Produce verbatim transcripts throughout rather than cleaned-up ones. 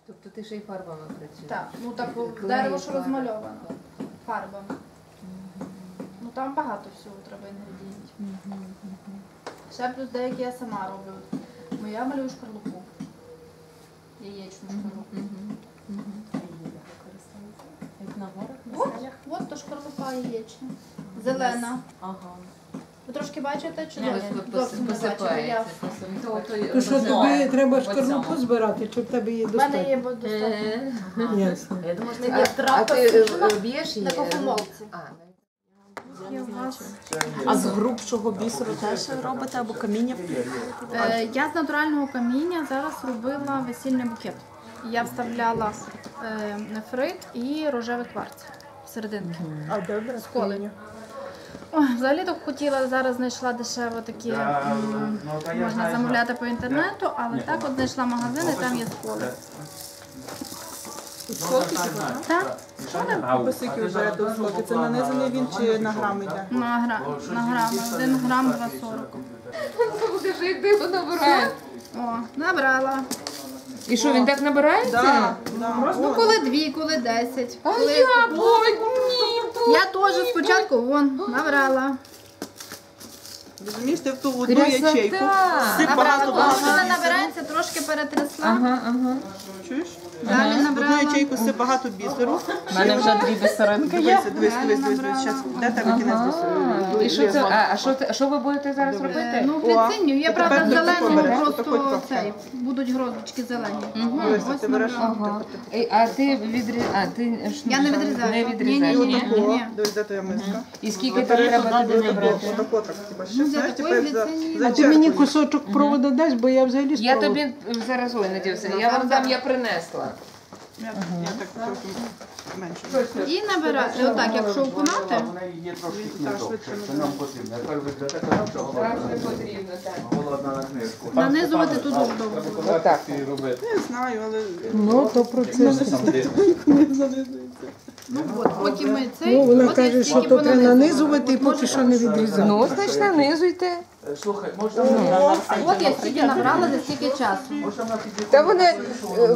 Тобто ти ще й фарбами працюєш? Так, ну так дерево ж розмальовано фарбами. Ну там багато всього треба інгредієнтів. Ще плюс деякі я сама роблю. Моя малюю шкарлупу. Яєчну шкарлупу. Як на горах, на От, селях? от то шкарлупа яєчна. Зелена. Ага. Ви трошки бачите, чи Ні, зовсім не бачите? Я... То що, тобі треба шкарлупу збирати, чи в тебе є В мене є достатньо? достатньо. Ясно. Я думаю, що А, є а трапа. ти е, б'єш її? На кофемолці. А, А з грубшого бісеру теж робите або каміння? Е, Я з натурального каміння зараз робила весільний букет. Я вставляла е, нефрит і рожевий кварц всерединки. А добре, Коли? Ой, взагалі так хотіла, зараз знайшла дешево такі, м, можна замовляти по інтернету, але так от знайшла магазин і там є сколи. Так? По скільки ви берете у слоки? Це нанизаний він чи на грам йде? На, гра, на грами. Один грам два сорок. покажи, як ти його набираєш. О, набрала. І що, він так набирається? Так, так. Ну, коли дві, коли десять. А Коли... я, ой, ні. Я теж спочатку вон набрала. Розумієш, ти в ту одну ячейку. Красота. Сип Набрала, багато коли багато. вона набирається, трошки перетрясла. Ага, ага. Чуєш? Далі В одну набрала. ячейку сип багато бісеру. У мене вже дві бісеринки є. Дивись, дивись, дивись, дивись. Щас, де тебе кінець бісеру? І що це? А, а що, ти- що ви будете зараз Е, робити? Ну, глициню. Я, О, правда, тепер зелену таку береш, просто отаку цей. Будуть гроздочки зелені. Дивись, Ось ти береш. набрала. Ей, А ти відрізаєш? А ти ж Я не відрізаю. Не Ні, відрізаєш. ні, ні? ні. Отаку. Дивись, де твоя миска. І скільки там треба туди набрати? Отако так, типа, ще, Ну, знаєш, для такої тепер за- глицинії. за А чарку ти її. Кусочок проводу дасть, бо я взагалі Я спробую. тобі зараз ой, надівся. Я вам дам, я принесла. Я я так трохи менше. І набирати. Отак, якщо окунати, Вона є трошки довше, що нам потрібно. Тепер ви для такого, що Зараз не потрібно, так. голодна на книжку. нанизувати тут дуже довго. Отак. робити. Не знаю, але Ну, то процес. не занизується. Ну от, поки ми цей, Ну, вона от я каже, що стільки то треба понанизувала. нанизувати і поки що не відрізати. Ну, значить, нанизуйте. Слухай, можна От я стільки набрала за стільки часу. можна підійти? Та вона е,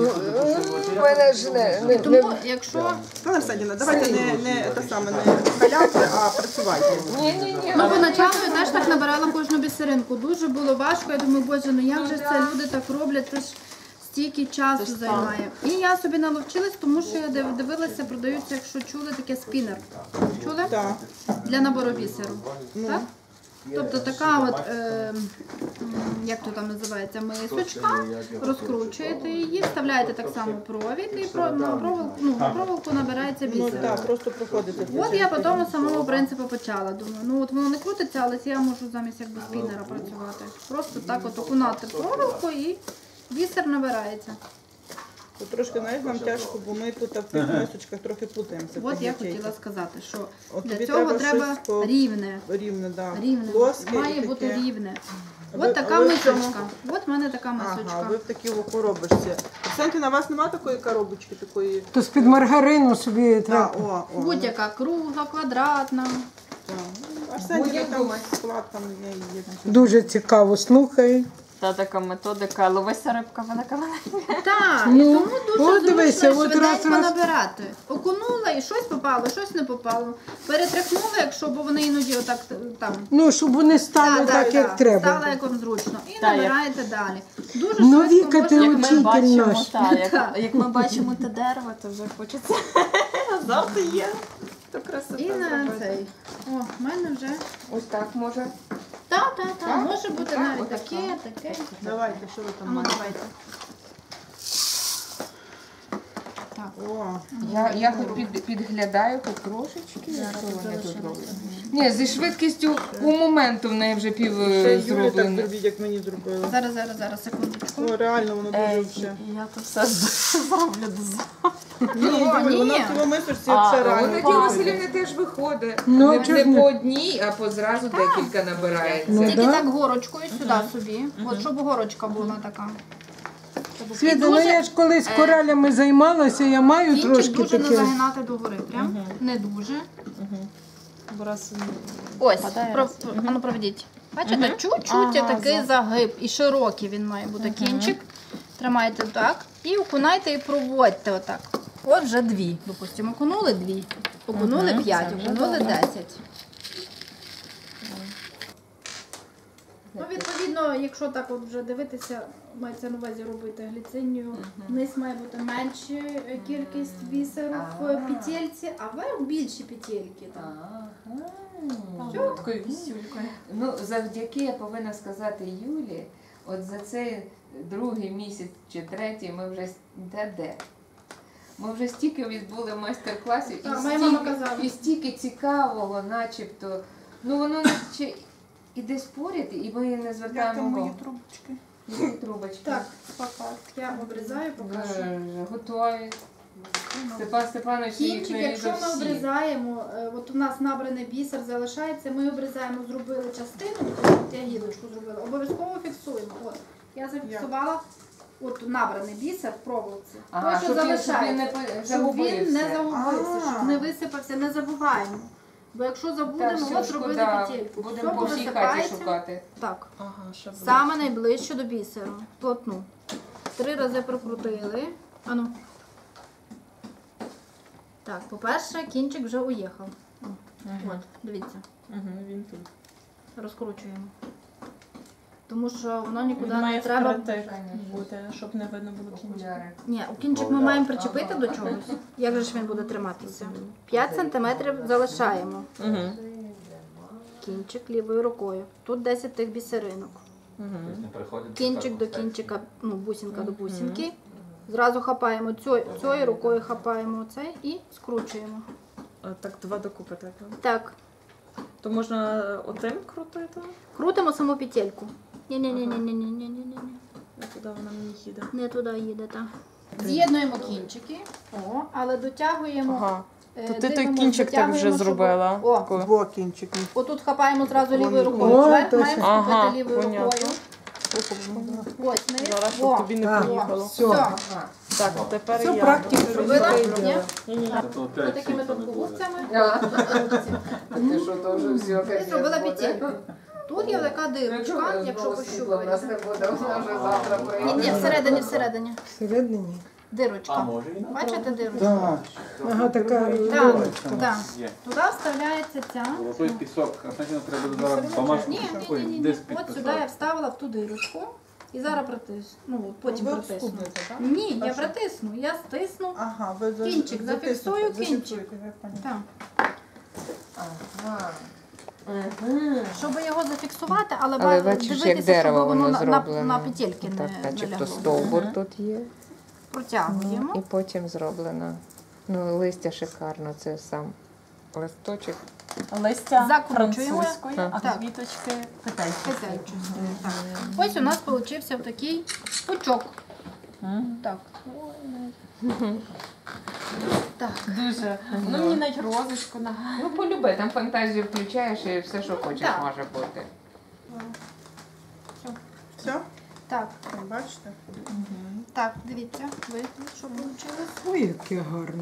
в мене ж не, не, не Тому, якщо... Пане Арсенівна, давайте не, не, те саме, не халявки, а працювати. ні, ні, ні. Ну, поначалу я теж так набирала кожну бісеринку. Дуже було важко. Я думаю, боже, ну як же це люди так роблять, це ж стільки часу займає. І я собі наловчилась, тому що я див- дивилася, продаються, якщо чули, таке спінер. Чули? Так. Для набору бісеру. Так? Тобто така от, е, м, як то там називається, мисочка, розкручуєте її, вставляєте так само провід і про, на, проволоку, ну, на проволоку набирається Ну бісер. так, просто проходити. От я по тому самому принципу почала. Думаю, ну от воно не крутиться, але я можу замість якби спінера працювати. Просто так от окунати проволоку і бісер набирається. То трошки, знаєш, нам тяжко, бо ми тут в тих мисочках трохи плутаємося. От в я тих ячейках. хотіла сказати, що От для тобі цього треба треба щось по- рівне. Рівне, так. Рівне. Плоске Має і бути таке. рівне. ви- От така а ви в цьому- мисочка. От в мене така Ага, мисочка. ви в такій о коробочці. Арсенті, на вас немає такої коробочки, такої? То з-під маргарину собі Так, треба. о, о. Будь-яка кругла, квадратна. Арсенті, там склад там є. є. Дуже цікаво, слухай. Та така методика, ловися рибка, вона маленька. Так, і Ну, тому дуже от зручно дивися, от швиденько раз, раз. набирати. Окунула і щось попало, щось не попало. Перетряхнула, якщо, бо вони іноді отак там. Ну, щоб вони стали Да, так, да, як да, треба. Стало як вам зручно. І Так, як- набираєте далі. Дуже Ну, швидко Віка, можна- ти Як ми учитель бачимо, наш. та, як, як ми бачимо те дерево, то вже хочеться. Завжди є. То красота І на зробити. цей. О, в мене вже. Ось так може. Так, так, так. Може бути Так, навіть отак. таке, таке. Давайте, що ви А там ну маєте? давайте. Так. О, Я, я хоч під, підглядаю хоч трошечки, якщо вони тут роблять. Ні, зі швидкістю у моменту в неї вже пів ще е, Юлі так зроблено. зробіть, як мені зробили. Зараз, зараз, зараз, секундочку. О, реально, воно дуже Ей, вже. я то все зроблю до завтра. Ні, О, Юль, ні. воно в цьому мисочці А, все А реально. у Надії виходить. Василівни теж виходить. Ну, не, чого не ж не? по одній, а по зразу декілька набирається. Ну, Тільки да. так горочкою сюди собі. От щоб горочка була така. Світа, ну дуже, я ж колись коралями займалася, я маю Кінчик трошки дуже не таке. загинати догори. Прям не дуже. Бо раз Ось, Впадає про, раз. а ну проведіть. Бачите, чуть-чуть Ага, такий за- загиб. І широкий він має бути кінчик. Тримайте так і окунайте і проводьте отак. От вже дві. Допустимо, окунули дві, окунули Мгм, п'ять, це вже окунули добре. десять. Ну, відповідно, якщо так от вже дивитися, мається на увазі робити гліцинію, вниз має бути менша кількість бісеру в петельці, а вверх більші петельки. там. Ага. Такою вісюлькою. Ну, завдяки, я повинна сказати Юлі, от за цей другий місяць чи третій ми вже де де. Ми вже стільки відбули майстер-класів і, Так, моя мама стільки- казала. і стільки цікавого, начебто. Ну воно наче і десь поряд, і ми не Як там звертаємо мої увагу. трубочки? Які трубочки? Так, я обрізаю, покажу. Вже готові. Степан Степанович їх Кінчик, не якщо ми всі. обрізаємо, е, от у нас набраний бісер залишається, ми обрізаємо, зробили частину, я гілочку зробила, обов'язково фіксуємо. От, я зафіксувала от набраний бісер в проволоці. Ага, Той, що щоб він- щоб він не залишається, по- щоб він не загубився. загубився, А. щоб не висипався, не забуваємо. Бо якщо Так, забудемо, все, от зробили шкода. петельку. Будемо Все по всій хаті повисипається. шукати. Так. Ага, щоб Саме найближче до бісеру. Плотну. Три рази прокрутили. Ану. Так, по-перше, кінчик вже уїхав. От, дивіться. Угу, він тут. Розкручуємо. Тому що воно нікуди Він має не треба. впритик бути, щоб не видно було кінчика. Окуляри. Ні, у кінчик ми маємо причепити до чогось. Як же ж він буде триматися? п'ять сантиметрів залишаємо. Угу. Кінчик лівою рукою. Тут десять тих бісеринок. Угу. Кінчик до кінчика, ну, бусинка до бусинки. Зразу хапаємо цю, цією рукою хапаємо оцей і скручуємо. Так, два докупи так. Так, То можна отим крутити? крутимо саму петельку. Ні-ні-ні-ні-ні-ні-ні-ні. А туди вона мені їде. Не туди їде, так. З'єднуємо кінчики, о, але дотягуємо. Ага. е, То ти той дивимось, кінчик так дотягуємо, вже щоб- зробила. О, Таку. Во кінчик. отут хапаємо зразу лівою рукою. О, Вверх точно. маємо Ага, схопити лівою понятно. рукою. Ось, не Зараз, щоб О, тобі не Так. поїхало. Все. все. Ага. Так, тепер Все я. практика. Зробила? Ні. Ні? Ні-ні. Ось такими тонкогубцями. А, Ти що, то вже все, І капець зробила буде. петельку. Тут є така дирочка, якщо світла в нас пощупаєте. не буде, вона вже завтра Ні, ні, прийде. всередині, всередині. Всередині. Дирочка. Бачите дирочку? Так. Ага, така. Так, так. Туди вставляється ця. Золотой пісок, а значить треба зараз бумажку. Ні, ні, Ой, ні, ні, десь ні. От сюди підписав. я вставила в ту дирочку і зараз притисну. Ну, потім Ви притисну. обскубните, так? Ні, А я що? притисну, я стисну. Ага, ви за- Кінчик, затиснете, зафіксую кінчик. зафіксуєте, я поняла. Так. Ага. Мгм. Щоб його зафіксувати, але, Але бачите, бачиш, як дивитися, дерево щоб воно воно на, на, зроблено. на петельки Так, не начебто налягло. стовбур тут є. Протягуємо. І потім зроблено. Ну, листя шикарно, це сам листочок. Листя Закручуємо. французької, а Так. квіточки китайські. Петельчу. Так. Ось у нас получився такий пучок. Так. Так. Дуже. Ну мені навіть розочку на. Ну, полюби, там фантазію включаєш і все, що хочеш, Так. може бути. Все? Так. Бачите? Так, дивіться, ви що вийшло. Ой, яке гарне.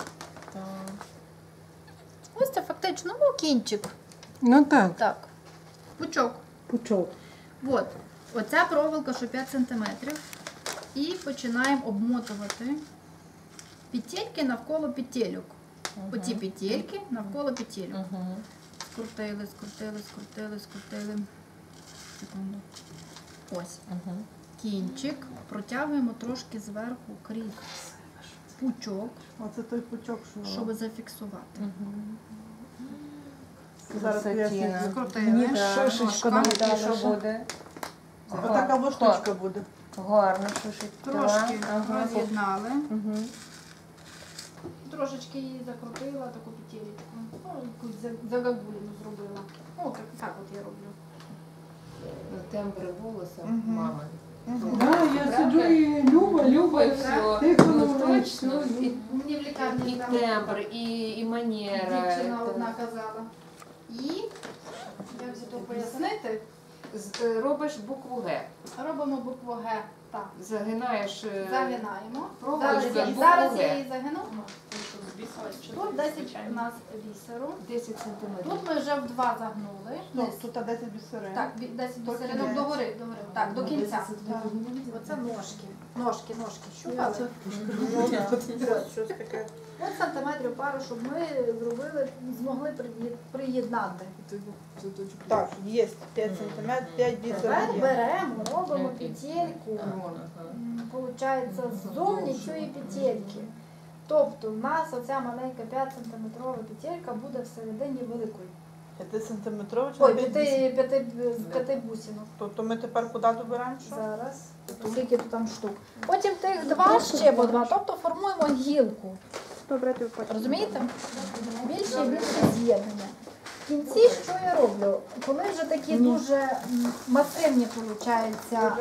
Ось це фактично, ну, кінчик. Ну так, Так. Пучок. пучок. От. Оця проволока, що п'ять сантиметрів. І починаємо обмотувати петельки навколо петельок. Оці петельки навколо петельок. Скрутили, скрутили, скрутили, скрутили. Секунду. Ось. Кінчик протягуємо трошки зверху крізь пучок, Оце той пучок, що щоб зафіксувати. зараз я Красотіна. сіджу. Скрутили. Шишечка нам далі, що буде? Отака во штучка буде. Гарно, шишечка. Трошки Ага. роз'єднали. Мгм. Трошечки її закрутила, таку петелечку. Ну, якусь за- загагуліну зробила. Ну, так, так от я роблю. Ну, тембри голосу Мгм. мами. Да, я сиджу і Люба, Люба, і Люба. все. Тихо, Ну, ну, точно. І, Мені в лікарні і там тембр, і, і манера. дівчина Це- одна казала. І, як це то пояснити, З- е, Робиш букву Г. робимо букву Г. Так. Загинаєш. е, Загинаємо. проволочку, Зараз, я- букву зараз Г. я її загину. Тут десять у нас бісеру. десять сантиметрів. Тут ми вже в два загнули. Ну, тут десять бісерин. Так, бі- десять До бісеринок кінця. догори, догори. Так, до кінця. Оце ножки. Ножки, ножки. Щупали? Ось, щось таке. От сантиметрів пару, щоб ми зробили, змогли приї- приєднати. Так, є п'ять сантиметрів, п'ять Тепер бісерин є. беремо, робимо петельку. М, Получається, ззовні цієї петельки. Тобто в нас оця маленька п'ять сантиметрова петелька буде всередині великої. п'ять сантиметрів чи Ой, п'ять п'яти, бісерин? п'яти, з п'яти бусинок. Тобто ми тепер куди доберемо що? Зараз. Скільки тут там штук. Потім тих два ще по два, тобто формуємо гілку. Добре, ти потім. Розумієте? Більше і більше з'єднання. В кінці що я роблю? Коли вже такі дуже м, масивні, виходить,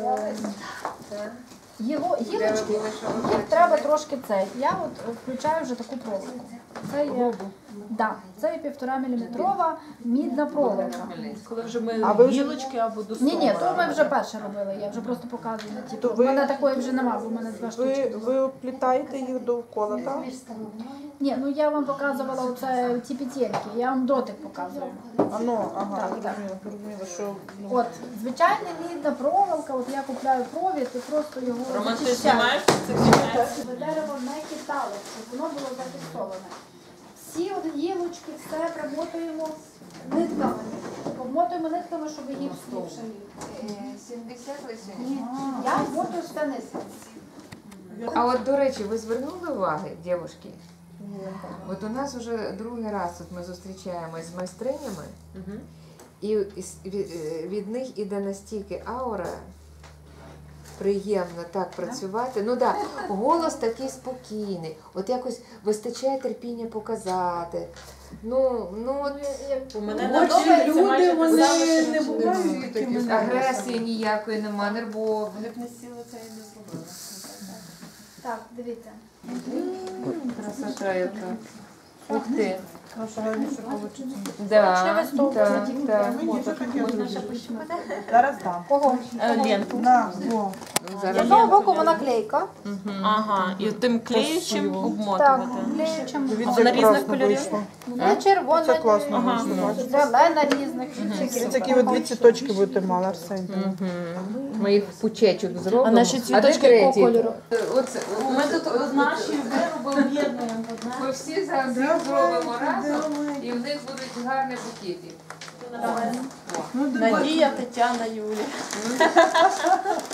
гілочки, їх треба трошки цей. Я от включаю вже таку проволоку. Це є, да, це є півтора міліметрова мідна проволока. Коли вже ми А ви вже- гілочки або до Ні, ні, стовбура то ми вже робимо. перше робили, я вже просто показую. Типу, То в ви- мене такої вже нема, бо в мене два штучки. Ви, ви оплітаєте їх довкола, так? Ні, ну я вам показувала оце, ці петельки, я вам дотик показую. А ну, ага, Так, так. зрозуміло, зрозуміло, що... ну, От, звичайна мідна проволока, от я купляю провід і просто його Роман, ти зачищаю. знімаєш, це знімаєш? Щоб дерево не хитало, щоб воно було зафіксоване. Всі от гілочки, все примотуємо нитками. Обмотуємо нитками, щоб гіпс ліпше ліг. сімдесят лише? Я обмотую все нитками. А от, до речі, ви звернули уваги, дівчатки? От у нас вже другий раз от ми зустрічаємось з майстринями, і із- від, е, від них іде настільки аура, приємно так працювати. Ну так, да, голос такий спокійний, от якось вистачає терпіння показати. Ну, ну от У мене Ну, на очі домі це люди, майже вони те саме, що не на бувають такими. агресії ніякої нема, нервов. Вони б не сіли це і не зробили. Так, дивіться. Красота яка. Ух ти. Коричневий Да, стовп так, затягнути. так. Мені це таке Зараз дам. Кого? Ленту. На, во. Ну, З зараз одного боку вона клейка. Ага, і тим клеючим Так, обмотувати. клеючим. Дивіться, На як різних класно кольорів? вийшло. Є червона, Це класно Ага. вийшло. зелена різних. Дивіться, які ви дві цвіточки будете мали, Арсень. ми їх в пучечок зробимо. А наші де цвіточки третій? якого кольору? Оце, Ми тут наші вироби об'єднуємо. ми всі зараз їх зробимо разом, і в них будуть гарні букети. Ну, давай. Надія, Тетяна, Юлія.